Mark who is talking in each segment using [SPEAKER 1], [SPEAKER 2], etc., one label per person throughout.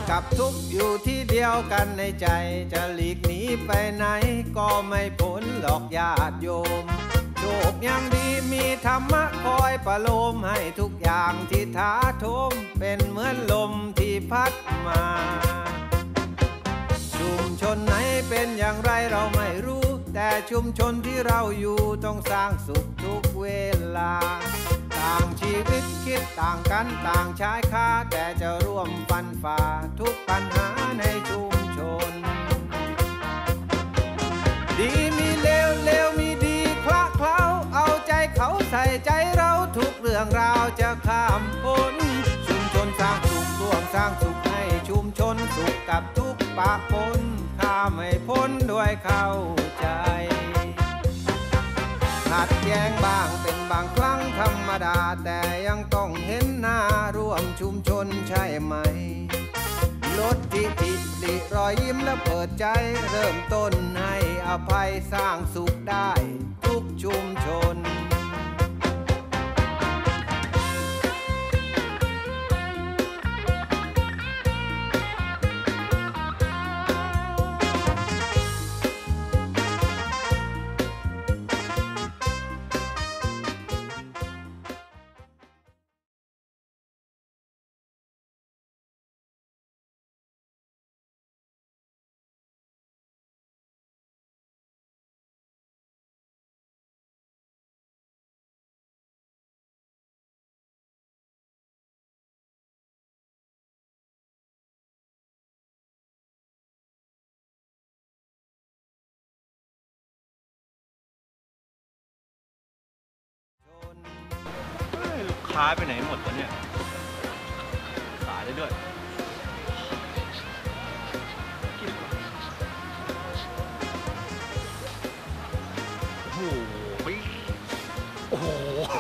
[SPEAKER 1] กับทุกข์อยู่ที่เดียวกันในใจจะหลีกหนีไปไหนก็ไม่พ้นหลอกญาติโยมโชคยังดีมีธรรมะคอยประโลมให้ทุกอย่างที่ท้าโถมเป็นเหมือนลมที่พัดมาชุมชนไหนเป็นอย่างไรเราไม่รู้แต่ชุมชนที่เราอยู่ต้องสร้างสุขทุกเวลาต่างชีวิตคิดต่างกันต่างชายคาแต่จะร่วมฟันฝ่าทุกปัญหาในชุมชนดีมีเลวเลวมีดีคละเคล้าเอาใจเขาใส่ใจเราทุกเรื่องราวจะข้ามพ้นชุมชนสร้างสุขร่วมสร้างสุขให้ชุมชนสุขกับทุกปะปนข้ามไม่พ้นด้วยเข้าใจขัดแย้งบ้างเป็นบางครั้งธรรมดาแต่ยังต้องเห็นหน้าร่วมชุมชนใช่ไหมลดทิฐิริรอยยิ้มและเปิดใจเริ่มต้นให้อภัยสร้างสุขได้ทุกชุมชน
[SPEAKER 2] ค้าไปไหนหมดวะเนี่ยขายได้ด้วยโอ้โหโอ้โห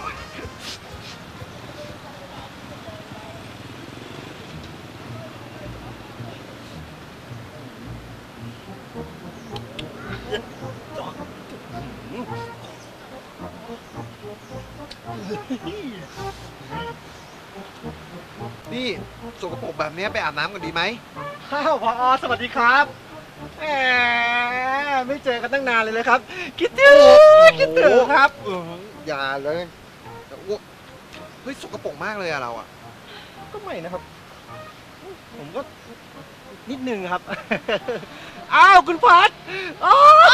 [SPEAKER 3] นี่สกปรกแบบนี้ไปอาบน้ำกันดีไหม
[SPEAKER 2] ข้าวผอ.สวัสดีครับแหมไม่เจอกันตั้งนานเลยครับคิดถึงครับ
[SPEAKER 3] อย่าเลยอ้วกเฮ้ยสกปรกมากเลยอะเราอะ
[SPEAKER 2] ก็ไม่นะครับผมก็นิดนึงครับอ้าวคุณพัดอ๋อ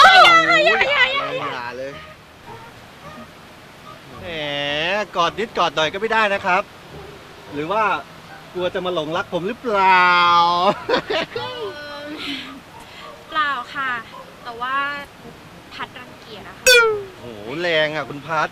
[SPEAKER 3] อย่าเลย
[SPEAKER 2] แหมกอดนิดกอดหน่อยก็ไม่ได้นะครับหรือว่ากลัวจะมาหลงรักผมหรือเปล่า
[SPEAKER 4] เปล่าค่ะแต่ว่าพัดรังเกียจอะค่ะ
[SPEAKER 2] โอ้โหแรงอ่ะคุณพัด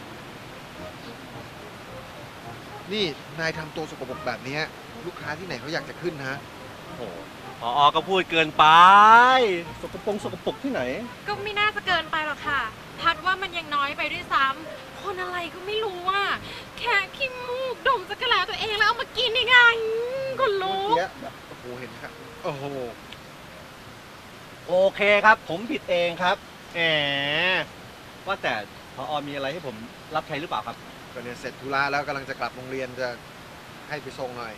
[SPEAKER 3] นี่นายทำตัวสกปรกแบบนี้ลูกค้าที่ไหนเขาอยากจะขึ้นฮะ
[SPEAKER 2] โอ้ผอ.ก็พูดเกินไปสกปรกที่ไหน
[SPEAKER 4] ก็ไม่น่าจะเกินไปหรอกค่ะพัดว่ามันยังน้อยไปด้วยซ้ำคนอะไรก็ไม่รู้อ่ะแค่ขี้มูกดมจักรแลตัวเองแล้วเอามากินยังไงคนรู้
[SPEAKER 3] แบบโอ้โหเห็นครับโอ้โห
[SPEAKER 2] โอเคครับผมผิดเองครับแหมว่าแต่ผอ.มีอะไรให้ผมรับใช้หรือเปล่าครับ
[SPEAKER 3] ก็เนี่ยเสร็จธุระแล้วกำลังจะกลับโรงเรียนจะให้ไปส่งหน่อย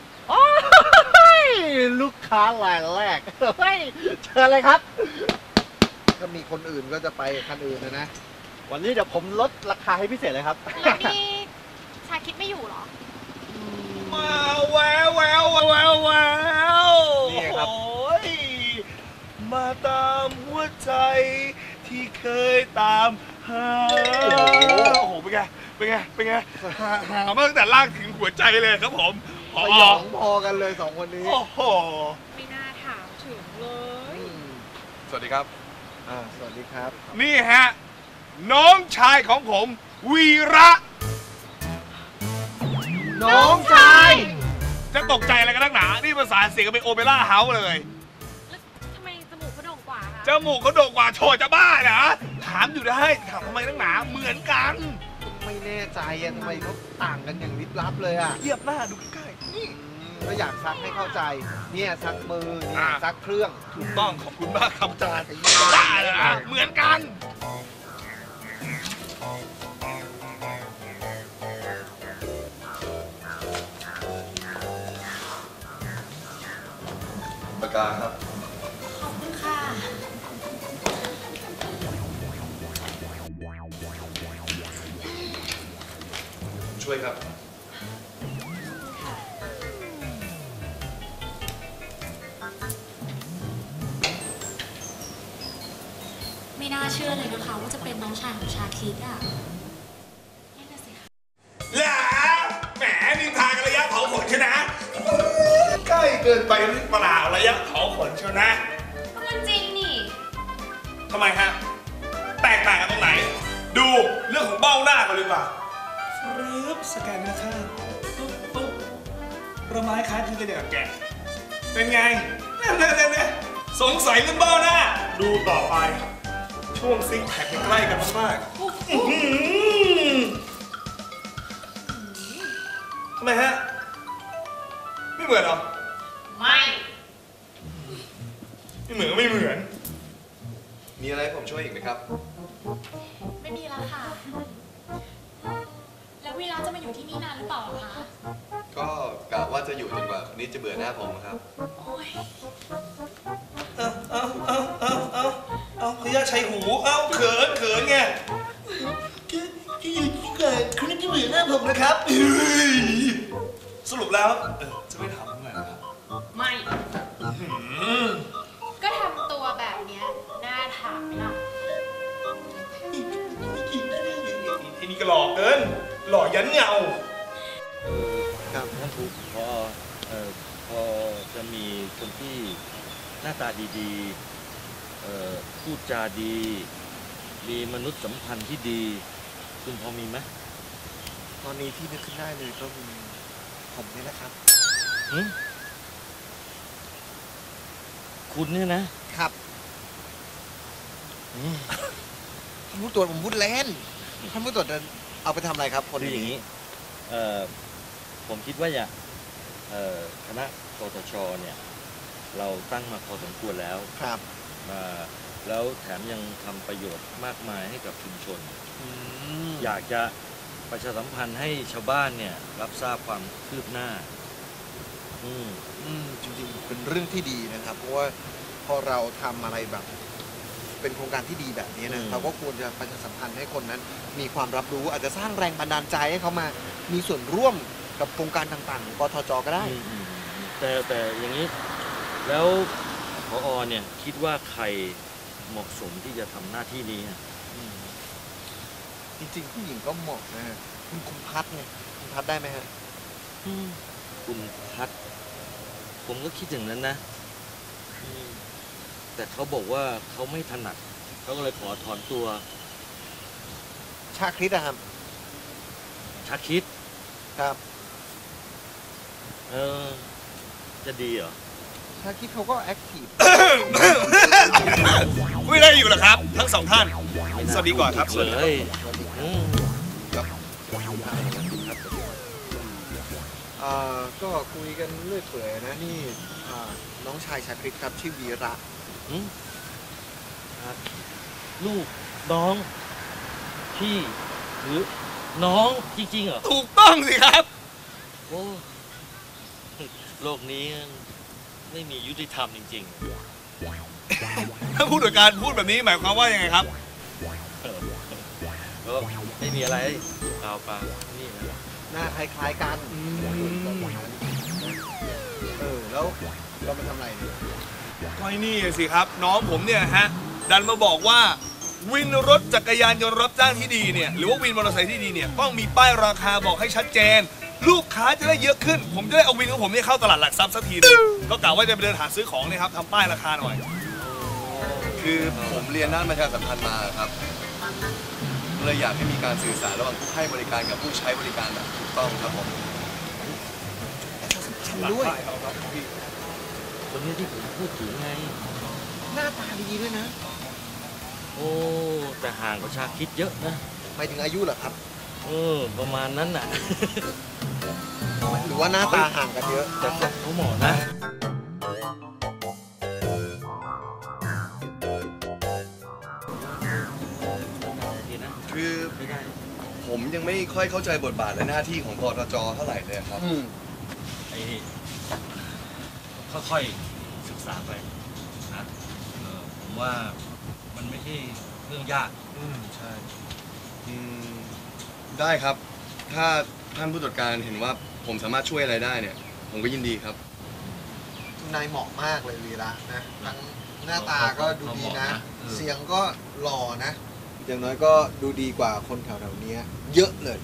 [SPEAKER 2] ลูกค้ารายแรกเฮ้ยเชิญเลยครับ
[SPEAKER 3] ถ้ามีคนอื่นก็จะไปคันอื่นนะ
[SPEAKER 2] วันนี้เดี๋ยวผมลดราคาให้พิเศษเลยครับ
[SPEAKER 4] แล้วนี่ชาคิดไม่อยู่หรอ
[SPEAKER 2] มาแววนี่ครับมาตามหัวใจที่เคยตามหา
[SPEAKER 5] โอ้โหเป็นไงหามาตั้งแต่ล่างถึงหัวใจเลยครับผม
[SPEAKER 3] พอกันเลยสองคนนี้
[SPEAKER 5] โอ้โห
[SPEAKER 4] ไม่น่าถามถึงเลย
[SPEAKER 5] สวัสดีครับ
[SPEAKER 3] สวัสดีครับ
[SPEAKER 5] นี่ฮะน้องชายของผมวีระ
[SPEAKER 2] น้องชาย
[SPEAKER 5] จะตกใจอะไรกันนักหนานี่ภาษาเสียงเป็นโอเปร่าเฮาส์เลย
[SPEAKER 4] แล้วทำไมจมูกเขาโด่งกว่าคะ
[SPEAKER 5] จมูกเขาโด่งกว่าโชว์จะบ้าเหรอถามอยู่ได้ถามทำไมนักหนาเหมือนกัน
[SPEAKER 3] ไม่แน่ใจทำไมเขาต่างกันอย่างลิบลับเลยอะ
[SPEAKER 5] เทียบหน้าดูใกล้ๆนี่
[SPEAKER 3] ก็อยากซักให้เข้าใจเนี่ยซักมือเนี่ยซักเครื่อง
[SPEAKER 5] ถูกต้องขอบคุณมากครับอาจารย์บ้าเลยนะเหมือนกัน
[SPEAKER 6] กาครับ
[SPEAKER 4] ขอบคุณค่ะ
[SPEAKER 6] ช่วยครับ
[SPEAKER 7] ไม่น่าเชื่อเลยนะคะว่าจะเป็นน้องชายของชาคิดอ่ะนั่นน่ะสิคะ
[SPEAKER 5] แล้วแหมนินทากันระยะเผาขนใช่นะใกล้เกินไปหรือเปล่าระยะเผาขนเชียวนะ
[SPEAKER 7] มันจริงนี่
[SPEAKER 5] ทำไมฮะแตกต่างกันตรงไหน ดูเรื่องของเบ้าหน้ากันเลยป่ะรึบสแกนเนื้อข้างปุ๊บปุ๊บประไม้คล้ายคลึงกันอย่างกับแกะเป็นไงเนี่ยสงสัยเรื่องเบ้าหน้า ดูต่อไปช่วงซิงแพคใกล้กันมากๆทำไมฮะไม่เหมือนเหรอ
[SPEAKER 4] ไม่
[SPEAKER 5] ไม่เหมือนก็ไม่เหมือน
[SPEAKER 6] มีอะไรให้ผมช่วยอีกไหมครับ
[SPEAKER 7] ไม่มีแล้วค่ะ แล้ววีระจะมาอยู่ที่นี่นานหรือเปล่าคะ
[SPEAKER 6] ก็กะว่าจะอยู่จนกว่าคนนี้จะเบื่อหน้าผมครับ
[SPEAKER 7] โอ้ย
[SPEAKER 5] เอาพยาชัยหูเอาเขินไงที่อยู่ที่เกิดคุณนี่จะเบื่อหน้าผมนะครับสรุปแล้วจะไม่ทำไงครับ
[SPEAKER 4] ไม่ ก็ทำตัวแบบเนี้ยน่าถามไหมล่ะ
[SPEAKER 5] ไอ้นี่ก็หล่อเกินหล่อยันเงา
[SPEAKER 3] ครับ
[SPEAKER 8] ท่านครูพอจะมีคนที่หน้าตาดีๆพูดจาดี มีมนุษยสัมพันธ์ที่ดี คุณพอมีไหม
[SPEAKER 3] ตอนนี้ที่นึกขึ้นได้เลยก็มีผมนี่แหละครับ
[SPEAKER 8] หึคุณเนี่ยนะครับ
[SPEAKER 3] ท่านผู้ตรวจผมพูดเล่นท่านผู้ตรวจจะเอาไปทำอะไรครับคน
[SPEAKER 8] คืออย่าง
[SPEAKER 3] นี้
[SPEAKER 8] นี้ผมคิดว่าคณะกตชเนี่ยเราตั้งมาพอสมควรแล้ว
[SPEAKER 3] ครับ
[SPEAKER 8] แล้วแถมยังทำประโยชน์มากมายให้กับชุมชน
[SPEAKER 3] อ
[SPEAKER 8] อยากจะประชาสัมพันธ์ให้ชาวบ้านเนี่ยรับทราบความคืบหน้า
[SPEAKER 3] จริงๆเป็นเรื่องที่ดีนะครับ เพราะว่าพอเราทำอะไรแบบ เป็นโครงการที่ดีแบบนี้นะเราก็ควรจะประชาสัมพันธ์ให้คนนั้น มีความรับรู้อาจจะสร้างแรงบันดาลใจให้เขามามีส่วนร่วมกับโครงการต่างๆของกทจก็ได้
[SPEAKER 8] แต่อย่างนี้แล้วผอ.เนี่ยคิดว่าใครเหมาะสมที่จะทำหน้าที่นี้อะ
[SPEAKER 3] จริงๆผู้หญิงก็เหมาะนะฮะคุณพัดไงคุณพัดได้ไหมฮะ
[SPEAKER 8] คุณพัดผมก็คิดอย่างนั้นนะแต่เขาบอกว่าเขาไม่ถนัดเขาก็เลยขอถอนตัว
[SPEAKER 3] ชาคริสอะครับ
[SPEAKER 8] ชักคิด
[SPEAKER 3] ครับ
[SPEAKER 8] จะดีเหรอ
[SPEAKER 3] ชาคริสเขาก็แอคทีฟ
[SPEAKER 5] ไม่ได้อยู่หรอครับ ทั้งสองท่าน สวัสดีก่อนครับ
[SPEAKER 8] เลย
[SPEAKER 3] ก็คุยกันเรื่อยเปื่อยนะนี่น้องชายชาคริสครับชื่อวีระ
[SPEAKER 8] ลูกน้องพี่หรือน้องจริงๆเหรอ
[SPEAKER 5] ถูกต้องสิครับ
[SPEAKER 8] โอ้โลกนี้ไม่มียุติธรรมจริง
[SPEAKER 5] ถ้าผู้ตรวจการพูดแบบนี้หมายความว่ายังไงครับ
[SPEAKER 8] ๆก็ไม่มีอะไรเปล่านี่นะ
[SPEAKER 3] หน้าคล้ายๆกันแล้วเรามาทำอะไรเนี่ย
[SPEAKER 5] ก็ไอ้นี่สิครับ น้องผมเนี่ยฮะดันมาบอกว่าวินรถจักรยานยนต์รับจ้างที่ดีเนี่ยหรือว่าวินมอเตอร์ไซค์ที่ดีเนี่ยต้องมีป้ายราคาบอกให้ชัดเจน ลูกค้าจะได้เยอะขึ้น ผมจะได้เอาวินของผมเนี่ยเข้าตลาดหลักทรัพย์สักทีนึงก็กะว่าจะไปเดินหาซื้อของเนี่ยครับทำป้ายราคาหน่อย
[SPEAKER 6] คือผมเรียนด้านประชาสัมพันธ์มาครับเลยอยากให้มีการสื่อสารระหว่างผู้ให้บริการกับผู้ใช้บริการแบบถูกต้องครับผม
[SPEAKER 3] ด้วย
[SPEAKER 8] คนนี้ที่ผมพูดถึงไง
[SPEAKER 3] หน้าตาดีด้วยนะ
[SPEAKER 8] โอ้แต่ห่างกับชาคิดเยอะนะ
[SPEAKER 3] หมายถึงอายุเหรอครับ
[SPEAKER 8] ประมาณนั้นน่ะ
[SPEAKER 3] หรือว่าหน้าตาห่างกันเยอะ
[SPEAKER 8] แต่เขาเหมาะนะ
[SPEAKER 6] คือผมยังไม่ค่อยเข้าใจบทบาทและหน้าที่ของกทจเท่าไหร่เลยครับ
[SPEAKER 8] ไอ้นี่ค่อยๆศึกศึกษาไปนะผมว่ามันไม่ใช่เรื่องยาก
[SPEAKER 6] ใช่ได้ครับ ถ้าท่านผู้ตรวจการเห็นว่าผมสามารถช่วยอะไรได้เนี่ย ผมก็ยินดีครับ
[SPEAKER 3] นายเหมาะมากเลยวีระนะทั้งหน้าตาก็ดูดีนะ เสียงก็หล่อนะ อย่างน้อยก็ดูดีกว่าคนแถวๆนี้เยอะเลย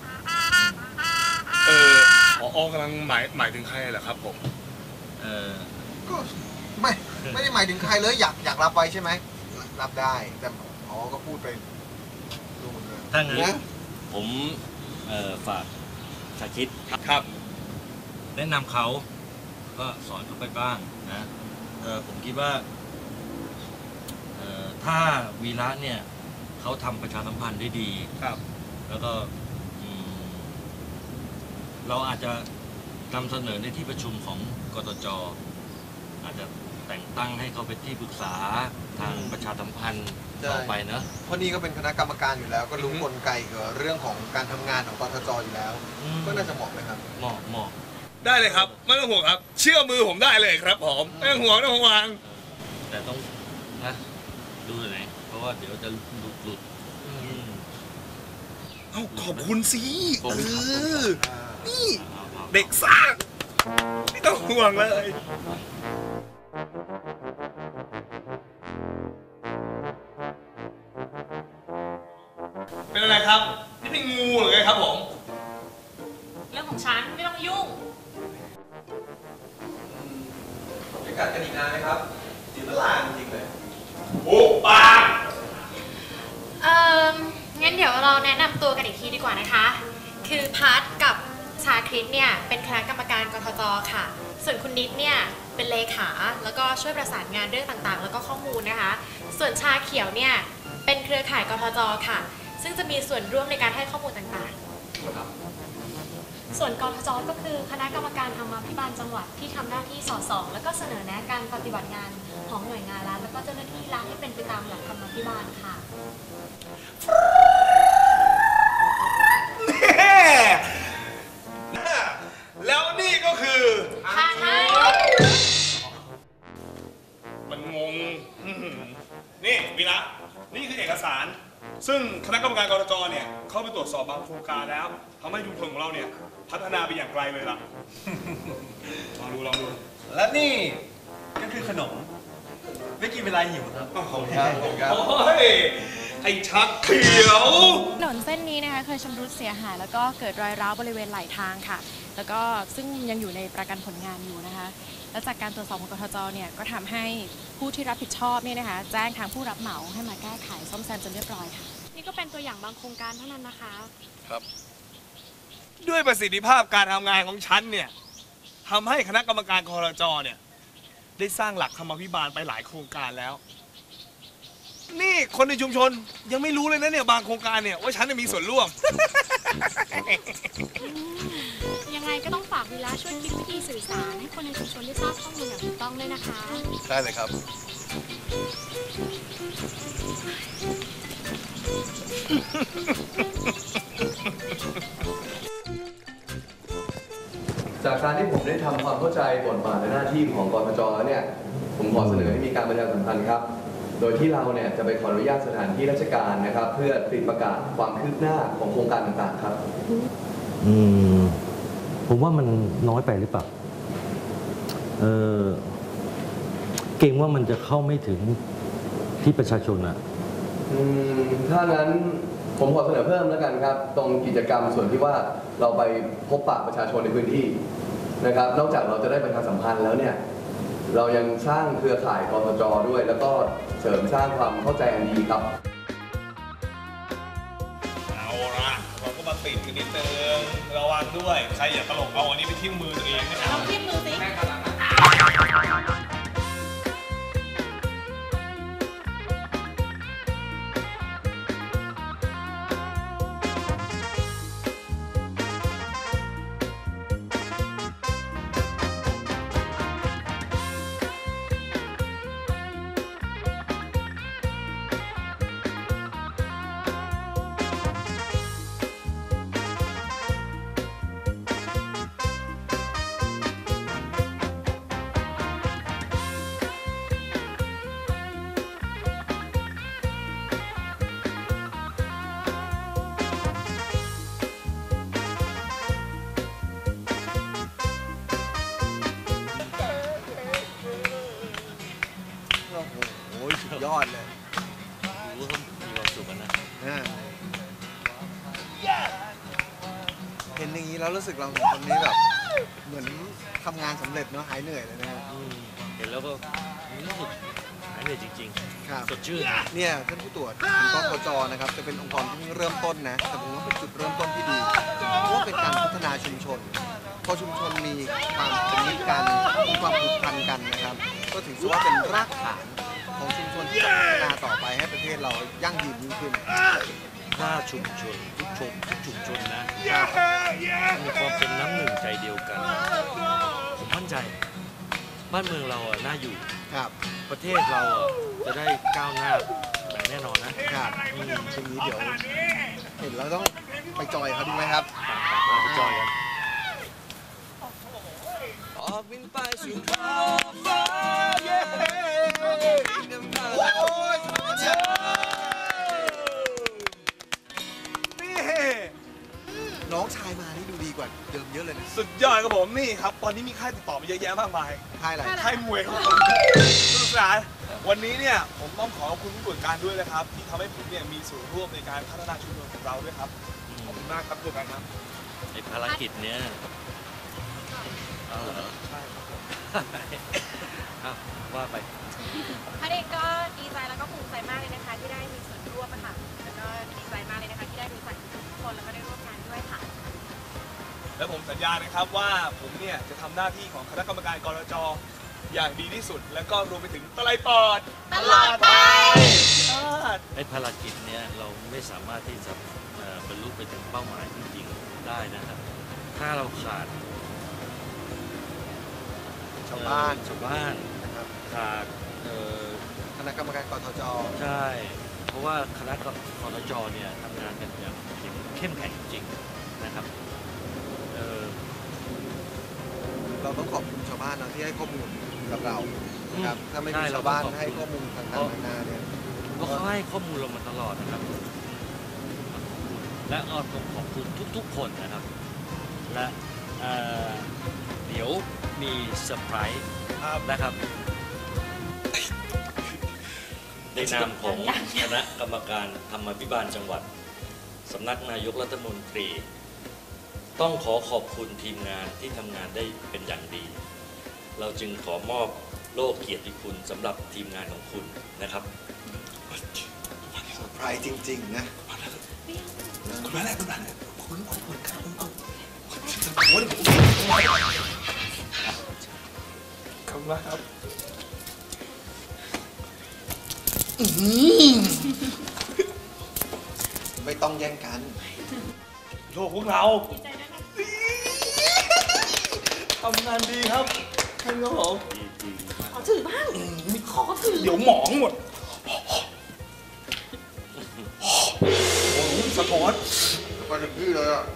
[SPEAKER 5] ผอ.กำลังหมายถึงใครเหรอครับผม
[SPEAKER 3] ก็ไม่ได้หมายถึงใครเลยอยากรับไว้ใช่ไหมรับได้แต่อ๋อก็พูดไปดูหมดเลย
[SPEAKER 8] ถ้างั้น
[SPEAKER 3] นะ
[SPEAKER 8] ผมฝากชาคิด
[SPEAKER 5] ครับ
[SPEAKER 8] แนะนำเขาก็สอนเขาไปบ้างนะผมคิดว่าถ้าวีระเนี่ยเขาทำประชาสัมพันธ์ได้ดี
[SPEAKER 5] ครับ
[SPEAKER 8] แล้วก็เราอาจจะนำเสนอในที่ประชุมของกตจ.อาจจะแต่งตั้งให้เขาเป็นที่ปรึกษาทางประชาสัมพันธ์ต่อไปเนอะ
[SPEAKER 3] เพราะนี่ก็เป็นคณะกรรมการอยู่แล้ว ก็รู้กลไกเกี่ยวกับเรื่องของการทำงานของกทจอยู่แล้ว ก็น่าจะเหมาะไหมครับ
[SPEAKER 8] เหมาะ
[SPEAKER 5] ได้เลยครับ ไม่ต้องห่วงครับ เชื่อมือผมได้เลยครับผมไม่ต้องห่วงไม่ต้องห่วง
[SPEAKER 8] แต่ต้องนะดูหน่อยเพราะว่าเดี๋ยวจะหลุด
[SPEAKER 5] เอ้าขอบคุณสิ
[SPEAKER 8] ขอบคุณครับ
[SPEAKER 5] นี่เด็กซ่าไม่ต้องห่วงเลย เป็นอะไรครับ นี่เป็นงูหรือไงครับผม
[SPEAKER 4] เรื่องของฉันไม่ต้องมายุ่ง
[SPEAKER 2] จะกัดกันอีกนานไหมครับจีบลาจริงเลย
[SPEAKER 5] โอ้ปาก
[SPEAKER 4] งั้นเดี๋ยวเราแนะนำตัวกันอีกทีดีกว่านะคะ คือพัทกับชาคริสเนี่ยเป็นคณะกรรมการกทจค่ะ ส่วนคุณนิดเนี่ยเป็นเลขาแล้วก็ช่วยประสานงานเรื่องต่างๆ แล้วก็ข้อมูลนะคะ ส่วนชาเขียวเนี่ยเป็นเครือข่ายกทจค่ะ ซึ่งจะมีส่วนร่วมในการให้ข้อมูลต่างๆ
[SPEAKER 7] ส่วนกทจก็คือคณะกรรมการธรรมาภิบาลจังหวัดที่ทำหน้าที่สอดส่องแล้วก็เสนอแนะการปฏิบัติงานของหน่วยงานรัฐแล้วก็เจ้าหน้าที่รัฐให้เป็นไปตามหลักธรรมาภิบาลค่ะ
[SPEAKER 5] แล้วนี่ก็คือ มันงงนี่วีระนี่คือเอกสาร ซึ่งคณะกรรมการกรจเนี่ยเข้าไปตรวจสอบบางโครงการแล้วทำให้ชุมชนของเราเนี่ยพัฒนาไปอย่างไกลเลยล่ะ ลองดู
[SPEAKER 2] และนี่ก็คือขนม ไม่กินเวลาหิวครับ
[SPEAKER 5] ขอบคุณครับโอ้ยไอ้ชักเขียว
[SPEAKER 9] ถนนเส้นนี้นะคะเคยชำรุดเสียหายแล้วก็เกิดรอยร้าวบริเวณไหลทางค่ะ แล้วก็ซึ่งยังอยู่ในประกันผลงานอยู่นะคะ และจากการตรวจสอบของกทจเนี่ยก็ทำให้ผู้ที่รับผิดชอบเนี่ยนะคะแจ้งทางผู้รับเหมาให้มาแก้ไขซ่อมแซมจนเรียบร้อยค่ะ
[SPEAKER 7] นี่ก็เป็นตัวอย่างบางโครงการเท่านั้นนะคะ
[SPEAKER 6] ครับ
[SPEAKER 5] ด้วยประสิทธิภาพการทำงานของฉันเนี่ยทำให้คณะกรรมการกรจเนี่ยได้สร้างหลักธรรมาภิบาลไปหลายโครงการแล้ว นี่คนในชุมชนยังไม่รู้เลยนะเนี่ยบางโครงการเนี่ยว่าฉันจะมีส่วนร่วม
[SPEAKER 7] ยังไงก็ต้องฝากวีระช่วยคิดวิธีสื่อสารให้คนในชุมชนได้ทราบข้อมูลอย่างถูกต้องด้วยนะคะ
[SPEAKER 6] ได้เลยครับ จากการที่ผมได้ทำความเข้าใจบทบาทและหน้าที่ของกทจแล้วเนี่ย ผมขอเสนอให้มีการประชาสัมพันธ์ครับ โดยที่เราเนี่ยจะไปขออนุญาตสถานที่ราชการนะครับ เพื่อติดประกาศความคืบหน้าของโครงการต่างๆครับ
[SPEAKER 8] ผมว่ามันน้อยไปหรือเปล่าเกรงว่ามันจะเข้าไม่ถึงที่ประชาชนอะ
[SPEAKER 6] ถ้างั้นผมขอเสนอเพิ่มแล้วกันครับ ตรงกิจกรรมส่วนที่ว่าเราไปพบปะประชาชนในพื้นที่นะครับ นอกจากเราจะได้ประชาสัมพันธ์แล้วเนี่ยเรายังสร้างเครือข่ายกทจด้วย แล้วก็เสริมสร้างความเข้าใจอันดีครับ
[SPEAKER 5] เอาละเราก็มาติดกันนิดนึงระวังด้วยใครอย่าตลกเอาอันนี้ไปทิ่มมือตัวเองนะครับ
[SPEAKER 4] ลองทิ่มมือสิ
[SPEAKER 3] อดเลย
[SPEAKER 8] รู้ว่าเขามีความสุขกันนะ
[SPEAKER 3] เห็นอย่างนี้แล้วรู้สึกเราสองคนนี้แบบเหมือนทำงานสำเร็จเนาะหายเหนื่อยเลยนะครับ
[SPEAKER 8] เห็นแล้วก็รู้สึกหายเหนื่อยจริง
[SPEAKER 3] ครับ
[SPEAKER 8] ๆสดชื่น
[SPEAKER 3] เนี่ยท่านผู้ตรวจกกจนะครับจะเป็นองค์กรที่เริ่มต้นนะแต่ผมว่าเป็นจุดเริ่มต้นที่ดีเพราะว่าเป็นการพัฒนาชุมชนพอชุมชนมีความเป็นมิตรกันมีความผูกพันกันนะครับก็ถือว่าเป็นรากฐานของชุมชนที่จะพัฒนาต่อไปให้ประเทศเรายั่งยืนยิ่งขึ้น
[SPEAKER 8] ถ้าชุมชนทุกชุมชนนะมีความเป็นน้ำหนึ่งใจเดียวกันผมมั่นใจบ้านเมืองเราอ่ะน่าอยู่
[SPEAKER 3] ครับ
[SPEAKER 8] ประเทศเราอ่ะจะได้ก้าวหน้าอย่างแน่นอนนะครับ
[SPEAKER 3] ทีนี้เดี๋ยวเห็นเราต้องไปจอยเขาดีไหมครับ
[SPEAKER 8] ไปจอยกัน
[SPEAKER 6] ออกบินไปสู่ท้องฟ้าเย้นำทางโอ้ย
[SPEAKER 5] นี่
[SPEAKER 3] น้องชายมานี่ดูดีกว่าเดิมเยอะเลยนะ
[SPEAKER 5] สุดยอดครับผมนี่ครับตอนนี้มีค่ายติดต่อมาเยอะแยะมากมาย
[SPEAKER 3] ค่ายอะไร
[SPEAKER 5] ค่ายมวยครับผมสนุกสนานวันนี้เนี่ยผมต้องขอบคุณผู้ตรวจการด้วยนะครับที่ทำให้ผมเนี่ยมีส่วนร่วมในการพัฒนาชุมชนของเราด้วยครับขอบคุณมากครับผู้ตรวจการครับ
[SPEAKER 8] ไอ้ภารกิจเนี้ยเอาเหรอ
[SPEAKER 5] ใช่ครับผม
[SPEAKER 8] เอาว่าไป
[SPEAKER 9] พัดเองก็ดีใจแล้วก็ภูมิใจมากเลยนะคะที่ได้มีส่วนร่วมอะค่ะแล้วก็ดีใจมากเลยนะคะที่ได้รู้จักทุกคนแล้วก็ได้ร่วมงานด้วยค่ะ
[SPEAKER 5] และผมสัญญานะครับว่าผมเนี่ยจะทำหน้าที่ของคณะกรรมการกรจ.อย่างดีที่สุด และก็รวมไปถึงตะไลปอด
[SPEAKER 9] ตลอดไป
[SPEAKER 8] ไอ้ภารกิจเนี้ยเราไม่สามารถที่จะบรรลุไปถึงเป้าหมายจริงๆได้นะครับ ถ้าเราขาด
[SPEAKER 3] ชาวบ้าน
[SPEAKER 8] ชาวบ้าน
[SPEAKER 3] นะครับ
[SPEAKER 8] ขาด
[SPEAKER 3] คณะกรรมการกทจ
[SPEAKER 8] ใช่ เพราะว่าคณะกรจเนี่ยทำงานกันอย่างเข้มแข็งจริงๆนะครับ
[SPEAKER 3] เราต้องขอบคุณชาวบ้านนะที่ให้ข้อมูลกับเรานะครับถ้าไม่มีชาวบ้านให้ข้อมูลต่างๆนานาเนี่ย
[SPEAKER 8] เพราะเขาให้ข้อมูลเรามาตลอดนะครับ และก็ต้องขอบคุณทุกๆคนนะครับ และเดี๋ยวมีเซอร์ไพรส์นะครับในนามของคณะกรรมการธรรมาภิบาลจังหวัดสำนักนายกรัฐมนตรีต้องขอบคุณทีมงานที่ทำงานได้เป็นอย่างดี เราจึงขอมอบโล่เกียรติคุณสำหรับทีมงานของคุณนะครับ
[SPEAKER 3] เซอร์ไพรส์จริงๆนะ
[SPEAKER 5] คุณมาแล้วคุณมาแล้วคุณครับขอบคุณมากครับ
[SPEAKER 3] ไม่ต้องแย่งกัน
[SPEAKER 5] โลกพวกเราทำงานดีครับท่านครับผมขอถือบ้างมีขอถือเดี๋ยวหมองหมดโอ้โหสะท้อน
[SPEAKER 3] ไปถึงที่เลยอ่ะ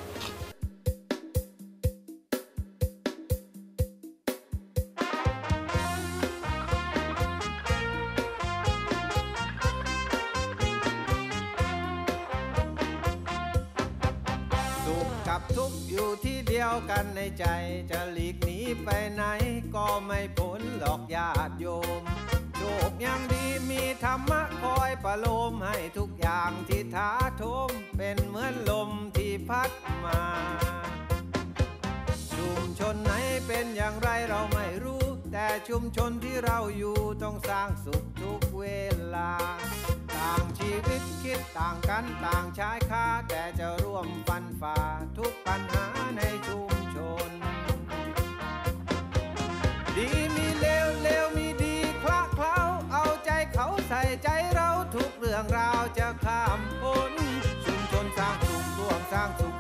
[SPEAKER 1] สุขกับทุกข์อยู่ที่เดียวกันในใจจะหลีกหนีไปไหนก็ไม่พ้นหรอกญาติโยมโชคยังดีมีธรรมะคอยประโลมให้ทุกอย่างที่ท้าโถมเป็นเหมือนลมที่พัดมาชุมชนไหนเป็นอย่างไรเราไม่รู้แต่ชุมชนที่เราอยู่ต้องสร้างสุขทุกเวลาต่างชีวิตคิดต่างกันต่างชายคาแต่จะร่วมฟันฝ่าทุกปัญหาในชุมชนดีมีเลวเลวมีดีคละเคล้าเอาใจเขาใส่ใจเราทุกเรื่องราวจะข้ามพ้นชุมชนสร้างสุขร่วมสร้างสุข